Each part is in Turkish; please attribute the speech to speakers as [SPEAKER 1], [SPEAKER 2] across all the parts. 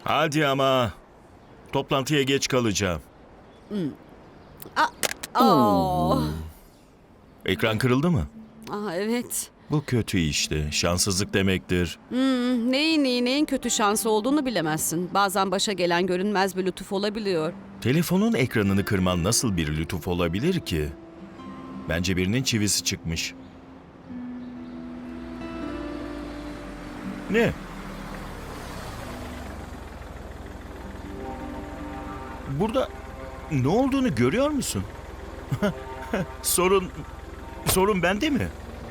[SPEAKER 1] Hadi ama. Toplantıya geç kalacağım.
[SPEAKER 2] Aa,
[SPEAKER 1] Ekran kırıldı mı?
[SPEAKER 2] evet.
[SPEAKER 1] Bu kötü işte. Şanssızlık demektir.
[SPEAKER 2] Neyin iyi neyin kötü şansı olduğunu bilemezsin. Bazen başa gelen görünmez bir lütuf olabiliyor.
[SPEAKER 1] Telefonun ekranını kırman nasıl bir lütuf olabilir ki? Bence birinin çivisi çıkmış. Ne? Burada ne olduğunu görüyor musun? Sorun bende mi?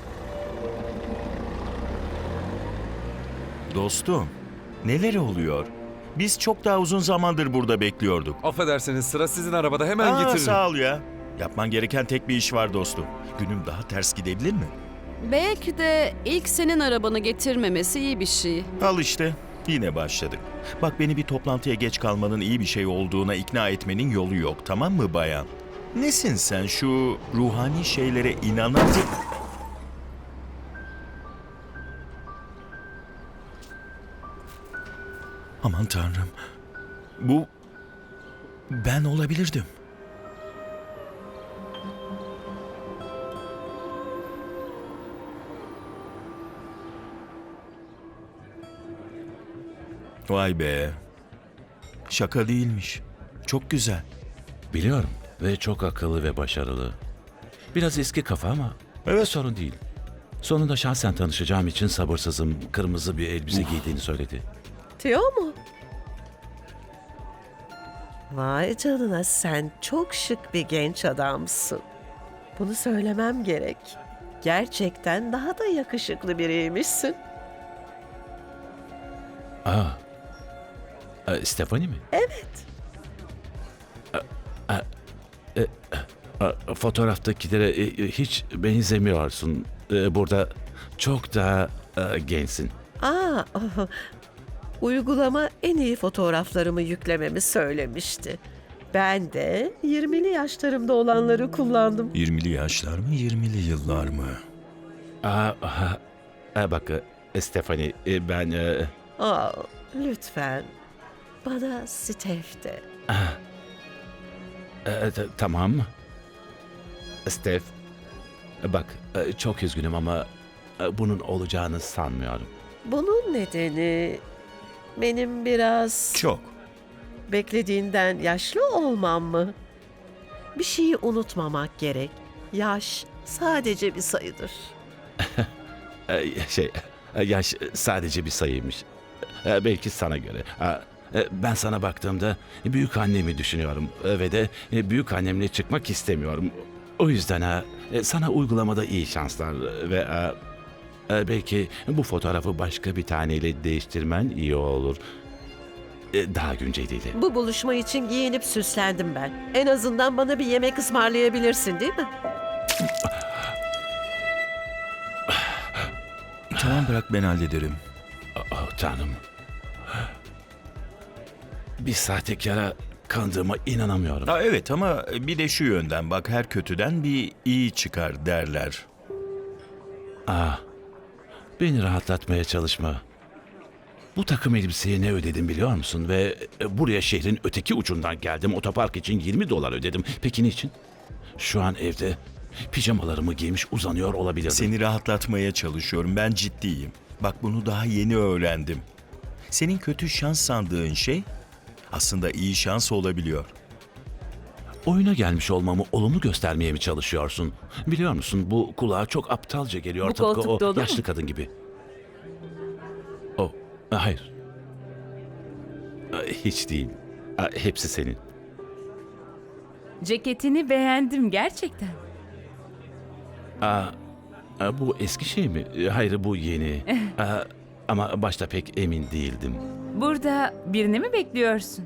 [SPEAKER 1] Dostum, neler oluyor? Biz çok daha uzun zamandır burada bekliyorduk.
[SPEAKER 3] Affedersiniz, sıra sizin arabada, hemen getiririm.
[SPEAKER 1] Sağ ol ya. Yapman gereken tek bir iş var dostum. Günüm daha ters gidebilir mi?
[SPEAKER 2] Belki de ilk senin arabanı getirmemesi iyi bir şey.
[SPEAKER 1] Al işte, yine başladık. Bak beni bir toplantıya geç kalmanın iyi bir şey olduğuna ikna etmenin yolu yok, tamam mı bayan? Nesin sen şu ruhani şeylere inanan... Aman tanrım. Bu... Ben olabilirdim. Vay be. Şaka değilmiş. Çok güzel.
[SPEAKER 4] Biliyorum ve çok akıllı ve başarılı. Biraz eski kafa ama
[SPEAKER 1] Evet.
[SPEAKER 4] sorun değil. Sonunda şahsen tanışacağım için sabırsızım. Kırmızı bir elbise giydiğini söyledi.
[SPEAKER 5] Teo mu? Vay canına, sen çok şık bir genç adamsın. Bunu söylemem gerek. Gerçekten daha da yakışıklı biriymişsin.
[SPEAKER 4] Stephanie mi?
[SPEAKER 5] Evet.
[SPEAKER 4] Fotoğraftakilere hiç benzemiyorsun. Burada çok daha gençsin.
[SPEAKER 5] Aa, uygulama en iyi fotoğraflarımı yüklememi söylemişti. Ben de 20'li yaşlarımda olanları kullandım.
[SPEAKER 1] 20'li yaşlar mı, 20'li yıllar mı?
[SPEAKER 4] Bak Stephanie, ben...
[SPEAKER 5] Aa, lütfen. Bana Steph de.
[SPEAKER 4] Tamam. Steph, bak çok üzgünüm ama bunun olacağını sanmıyorum.
[SPEAKER 5] Bunun nedeni benim biraz
[SPEAKER 1] Çok.
[SPEAKER 5] beklediğinden yaşlı olmam mı? Bir şeyi unutmamak gerek. Yaş sadece bir sayıdır.
[SPEAKER 4] Yaş sadece bir sayıymış. Belki sana göre. Ben sana baktığımda büyük annemi düşünüyorum ve de büyük annemle çıkmak istemiyorum. O yüzden sana uygulamada iyi şanslar ve belki bu fotoğrafı başka bir taneyle değiştirmen iyi olur. Daha günceliyle.
[SPEAKER 5] Bu buluşma için giyinip süslendim ben. En azından bana bir yemek ısmarlayabilirsin, değil mi?
[SPEAKER 1] Tamam bırak ben hallederim.
[SPEAKER 4] Oh, Tanrım. Bir sahtekara kandığıma inanamıyorum.
[SPEAKER 1] Evet ama bir de şu yönden bak her kötüden bir iyi çıkar derler.
[SPEAKER 4] Beni rahatlatmaya çalışma. Bu takım elbiseye ne ödedim biliyor musun? Ve buraya şehrin öteki ucundan geldim. Otopark için $20 ödedim. Peki niçin? Şu an evde pijamalarımı giymiş uzanıyor olabilirdim.
[SPEAKER 1] Seni rahatlatmaya çalışıyorum. Ben ciddiyim. Bak bunu daha yeni öğrendim. Senin kötü şans sandığın şey aslında iyi şans olabiliyor.
[SPEAKER 4] Oyuna gelmiş olmamı olumlu göstermeye mi çalışıyorsun? Biliyor musun bu kulağa çok aptalca geliyor.
[SPEAKER 2] Bu
[SPEAKER 4] Tıpkı
[SPEAKER 2] koltuk dolu
[SPEAKER 4] o yaşlı
[SPEAKER 2] mu?
[SPEAKER 4] kadın gibi. Hayır. Hiç değil. Hepsi senin.
[SPEAKER 6] Ceketini beğendim gerçekten.
[SPEAKER 4] Bu eski şey mi? Hayır bu yeni. Ama başta pek emin değildim.
[SPEAKER 6] Burada birini mi bekliyorsun?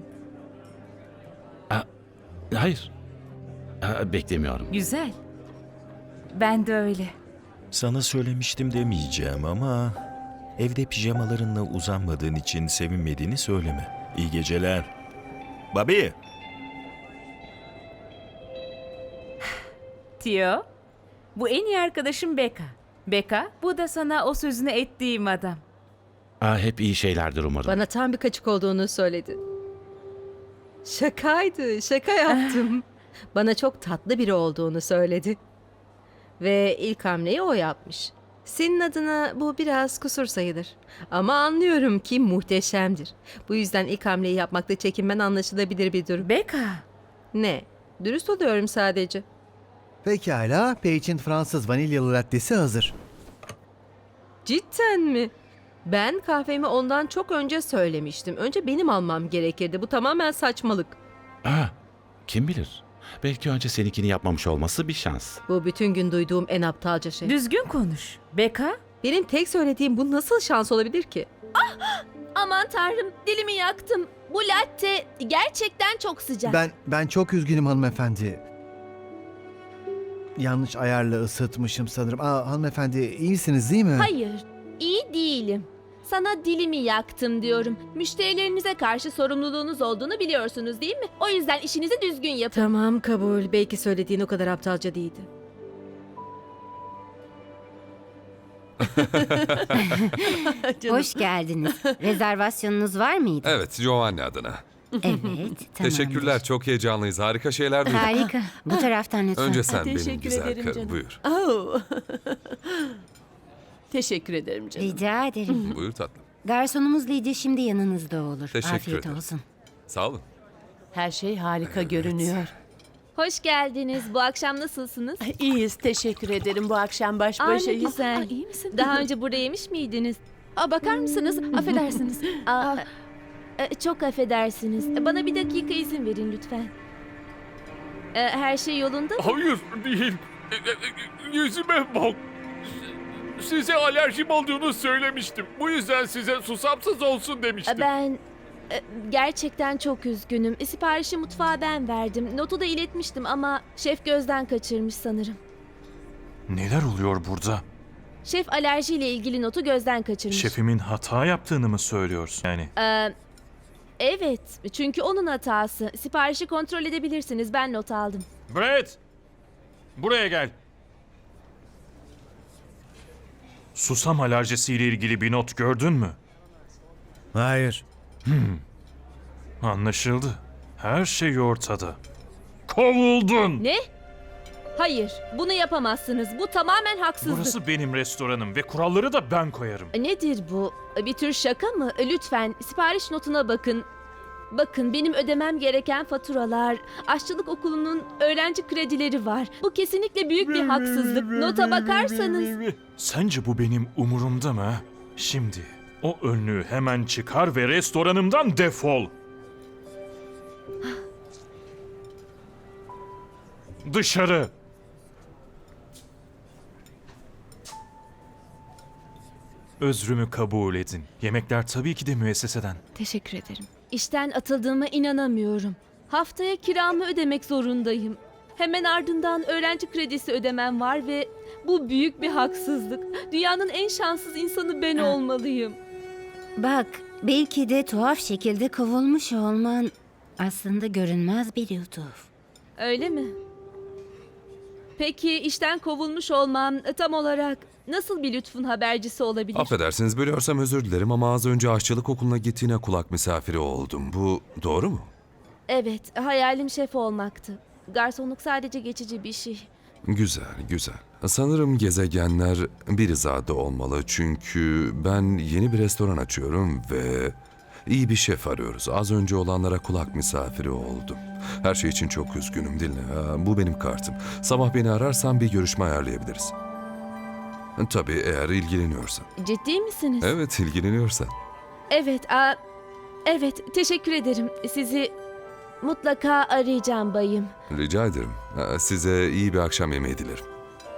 [SPEAKER 4] Hayır. Beklemiyorum.
[SPEAKER 6] Güzel. Ben de öyle.
[SPEAKER 1] Sana söylemiştim demeyeceğim ama evde pijamalarınla uzanmadığın için sevinmediğini söyleme. İyi geceler. Bobby.
[SPEAKER 6] Tio, bu en iyi arkadaşım Becca. Becca, bu da sana o sözünü ettiğim adam.
[SPEAKER 4] Hep iyi şeylerdir umarım.
[SPEAKER 7] Bana tam bir kaçık olduğunu söyledi. Şakaydı, şaka yaptım. Bana çok tatlı biri olduğunu söyledi. Ve ilk hamleyi o yapmış. Senin adına bu biraz kusur sayılır. Ama anlıyorum ki muhteşemdir. Bu yüzden ilk hamleyi yapmakta çekinmen anlaşılabilir bir durum.
[SPEAKER 6] Beka.
[SPEAKER 7] Ne? Dürüst oluyorum sadece.
[SPEAKER 8] Pekala, Paige'in Fransız vanilyalı lattesi hazır.
[SPEAKER 7] Cidden mi? Ben kahvemi ondan çok önce söylemiştim. Önce benim almam gerekirdi. Bu tamamen saçmalık.
[SPEAKER 4] Kim bilir? Belki önce seninkini yapmamış olması bir şans.
[SPEAKER 7] Bu bütün gün duyduğum en aptalca şey.
[SPEAKER 6] Düzgün konuş. Beka.
[SPEAKER 7] Benim tek söylediğim bu nasıl şans olabilir ki?
[SPEAKER 9] Aman tanrım, dilimi yaktım. Bu latte gerçekten çok sıcak.
[SPEAKER 8] Ben çok üzgünüm hanımefendi. Yanlış ayarla ısıtmışım sanırım. Hanımefendi iyisiniz değil mi?
[SPEAKER 9] Hayır, iyi değilim. Sana dilimi yaktım diyorum. Müşterilerinize karşı sorumluluğunuz olduğunu biliyorsunuz değil mi? O yüzden işinizi düzgün yapın.
[SPEAKER 7] Tamam kabul. Belki söylediğin o kadar aptalca değildi. Canım.
[SPEAKER 10] Hoş geldiniz. Rezervasyonunuz var mıydı?
[SPEAKER 3] Evet, Giovanni adına.
[SPEAKER 10] Evet, tamamdır.
[SPEAKER 3] Teşekkürler, çok heyecanlıyız. Harika şeyler duyduk.
[SPEAKER 10] Harika. Bu taraftan lütfen.
[SPEAKER 3] Önce sen benim
[SPEAKER 2] Teşekkür
[SPEAKER 3] güzel
[SPEAKER 2] ederim
[SPEAKER 3] karım,
[SPEAKER 2] canım.
[SPEAKER 3] buyur.
[SPEAKER 7] Oh.
[SPEAKER 2] Teşekkür ederim canım.
[SPEAKER 10] Rica ederim.
[SPEAKER 3] Buyur tatlım.
[SPEAKER 10] Garsonumuz Lidya şimdi yanınızda olur.
[SPEAKER 3] Teşekkür
[SPEAKER 10] Afiyet
[SPEAKER 3] ederim.
[SPEAKER 10] olsun.
[SPEAKER 3] Sağ olun.
[SPEAKER 2] Her şey harika görünüyor.
[SPEAKER 9] Hoş geldiniz. Bu akşam nasılsınız?
[SPEAKER 2] İyiyiz, teşekkür ederim. Bu akşam baş
[SPEAKER 9] Aa, ne
[SPEAKER 2] başayız.
[SPEAKER 9] güzel.
[SPEAKER 2] İyi misin?
[SPEAKER 9] Daha önce burada yemiş miydiniz?
[SPEAKER 2] Bakar mısınız? Affedersiniz.
[SPEAKER 9] Çok affedersiniz. Bana bir dakika izin verin lütfen. Her şey yolunda mı?
[SPEAKER 11] Hayır değil. Yüzüme bak. Size alerjim olduğunu söylemiştim. Bu yüzden size susamsız olsun demiştim.
[SPEAKER 9] Ben gerçekten çok üzgünüm. Siparişi mutfağa ben verdim. Notu da iletmiştim ama şef gözden kaçırmış sanırım.
[SPEAKER 11] Neler oluyor burada?
[SPEAKER 9] Şef alerjiyle ilgili notu gözden kaçırmış.
[SPEAKER 11] Şefimin hata yaptığını mı söylüyorsun? Yani
[SPEAKER 9] Evet, çünkü onun hatası. Siparişi kontrol edebilirsiniz. Ben not aldım.
[SPEAKER 11] Brett! Buraya gel. Susam alerjisiyle ilgili bir not gördün mü?
[SPEAKER 8] Hayır.
[SPEAKER 11] Anlaşıldı. Her şey ortada. Kovuldun!
[SPEAKER 9] Ne? Hayır, bunu yapamazsınız. Bu tamamen haksızlık.
[SPEAKER 11] Burası benim restoranım ve kuralları da ben koyarım.
[SPEAKER 9] Nedir bu? Bir tür şaka mı? Lütfen sipariş notuna bakın. Bakın benim ödemem gereken faturalar, aşçılık okulunun öğrenci kredileri var. Bu kesinlikle büyük bir haksızlık. Nota bakarsanız.
[SPEAKER 11] Sence bu benim umurumda mı? Ha? Şimdi o önlüğü hemen çıkar ve restoranımdan defol. Dışarı. Özrümü kabul edin. Yemekler tabii ki de müesseseden.
[SPEAKER 2] Teşekkür ederim.
[SPEAKER 9] İşten atıldığıma inanamıyorum. Haftaya kiramı ödemek zorundayım. Hemen ardından öğrenci kredisi ödemem var ve bu büyük bir haksızlık. Dünyanın en şanssız insanı ben olmalıyım.
[SPEAKER 10] Bak, belki de tuhaf şekilde kovulmuş olman aslında görünmez bir lütuf.
[SPEAKER 9] Öyle mi? Peki işten kovulmuş olmam tam olarak nasıl bir lütfun habercisi olabilir?
[SPEAKER 3] Affedersiniz, bölüyorsam özür dilerim ama az önce aşçılık okuluna gittiğine kulak misafiri oldum. Bu doğru mu?
[SPEAKER 9] Evet, hayalim şef olmaktı. Garsonluk sadece geçici bir şey.
[SPEAKER 3] Güzel, güzel. Sanırım gezegenler bir hizada olmalı çünkü ben yeni bir restoran açıyorum ve iyi bir şef arıyoruz. Az önce olanlara kulak misafiri oldum. Her şey için çok üzgünüm, dinle. Bu benim kartım. Sabah beni ararsan bir görüşme ayarlayabiliriz. Tabii eğer ilgileniyorsan.
[SPEAKER 9] Ciddi misiniz?
[SPEAKER 3] Evet, ilgileniyorsan.
[SPEAKER 9] Evet, evet, teşekkür ederim. Sizi mutlaka arayacağım bayım.
[SPEAKER 3] Rica ederim. Size iyi bir akşam yemeği dilerim.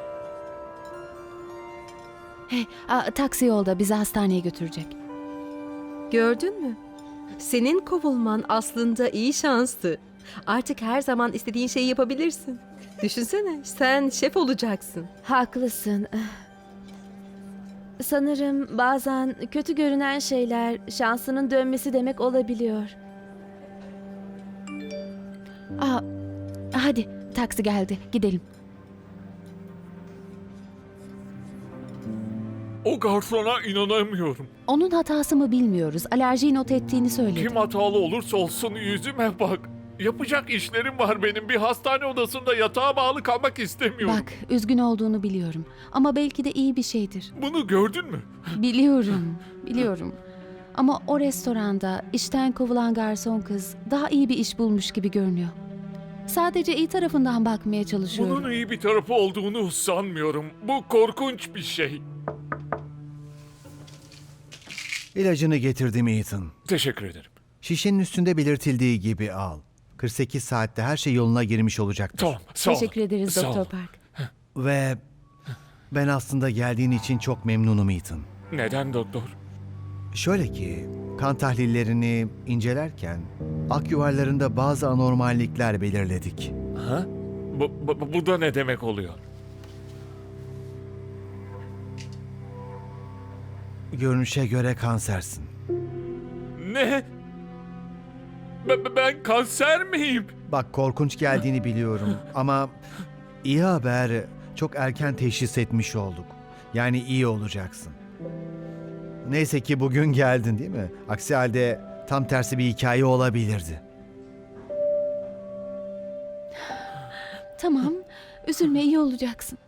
[SPEAKER 2] Taksi yolda bizi hastaneye götürecek.
[SPEAKER 7] Gördün mü? Senin kovulman aslında iyi şanstı. Artık her zaman istediğin şeyi yapabilirsin. Düşünsene, sen şef olacaksın.
[SPEAKER 9] Haklısın. Sanırım bazen kötü görünen şeyler şansının dönmesi demek olabiliyor.
[SPEAKER 2] Hadi, taksi geldi. Gidelim.
[SPEAKER 11] O Bu garsona inanamıyorum.
[SPEAKER 9] Onun hatası mı bilmiyoruz. Alerjiyi not ettiğini söyledi.
[SPEAKER 11] Kim hatalı olursa olsun yüzüme bak. Yapacak işlerim var benim. Bir hastane odasında yatağa bağlı kalmak istemiyorum.
[SPEAKER 9] Bak, üzgün olduğunu biliyorum. Ama belki de iyi bir şeydir.
[SPEAKER 11] Bunu gördün mü?
[SPEAKER 9] Biliyorum. Ama o restoranda işten kovulan garson kız daha iyi bir iş bulmuş gibi görünüyor. Sadece iyi tarafından bakmaya çalışıyorum.
[SPEAKER 11] Bunun iyi bir tarafı olduğunu sanmıyorum. Bu korkunç bir şey.
[SPEAKER 8] İlacını getirdim Ethan.
[SPEAKER 11] Teşekkür ederim.
[SPEAKER 8] Şişenin üstünde belirtildiği gibi al. 48 saatte her şey yoluna girmiş olacaktır.
[SPEAKER 11] Tamam, sağ ol.
[SPEAKER 9] Teşekkür ederiz
[SPEAKER 11] Sağ
[SPEAKER 9] Doktor
[SPEAKER 11] ol.
[SPEAKER 9] Park.
[SPEAKER 8] Ve ben aslında geldiğin için çok memnunum Ethan.
[SPEAKER 11] Neden doktor?
[SPEAKER 8] Şöyle ki, kan tahlillerini incelerken ak yuvarlarında bazı anormallikler belirledik.
[SPEAKER 11] Ha? Bu da ne demek oluyor?
[SPEAKER 8] Görünüşe göre kansersin.
[SPEAKER 11] Ne? Ben kanser miyim?
[SPEAKER 8] Bak korkunç geldiğini biliyorum ama iyi haber, çok erken teşhis etmiş olduk. Yani iyi olacaksın. Neyse ki bugün geldin değil mi? Aksi halde tam tersi bir hikaye olabilirdi.
[SPEAKER 9] Tamam, üzülme, iyi olacaksın.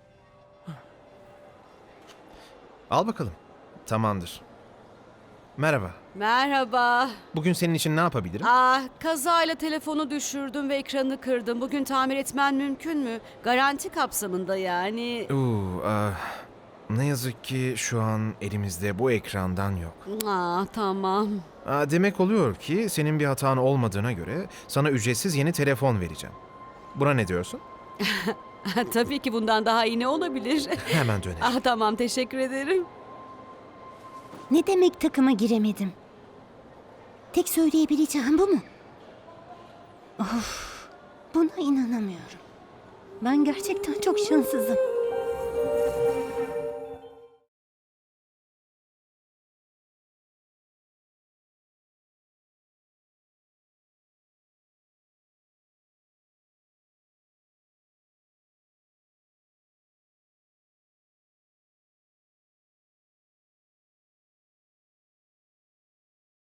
[SPEAKER 12] Al bakalım. Tamamdır. Merhaba.
[SPEAKER 2] Merhaba.
[SPEAKER 12] Bugün senin için ne yapabilirim?
[SPEAKER 2] Kazayla telefonu düşürdüm ve ekranı kırdım. Bugün tamir etmen mümkün mü? Garanti kapsamında yani.
[SPEAKER 12] Ne yazık ki şu an elimizde bu ekrandan yok.
[SPEAKER 2] Tamam.
[SPEAKER 12] Demek oluyor ki senin bir hatan olmadığına göre sana ücretsiz yeni telefon vereceğim. Buna ne diyorsun?
[SPEAKER 2] Tabii ki bundan daha iyi ne olabilir?
[SPEAKER 12] Hemen dönelim.
[SPEAKER 2] Tamam, teşekkür ederim.
[SPEAKER 10] Ne demek takıma giremedim? Tek söyleyebileceğim bu mu? Of, buna inanamıyorum. Ben gerçekten çok şanssızım.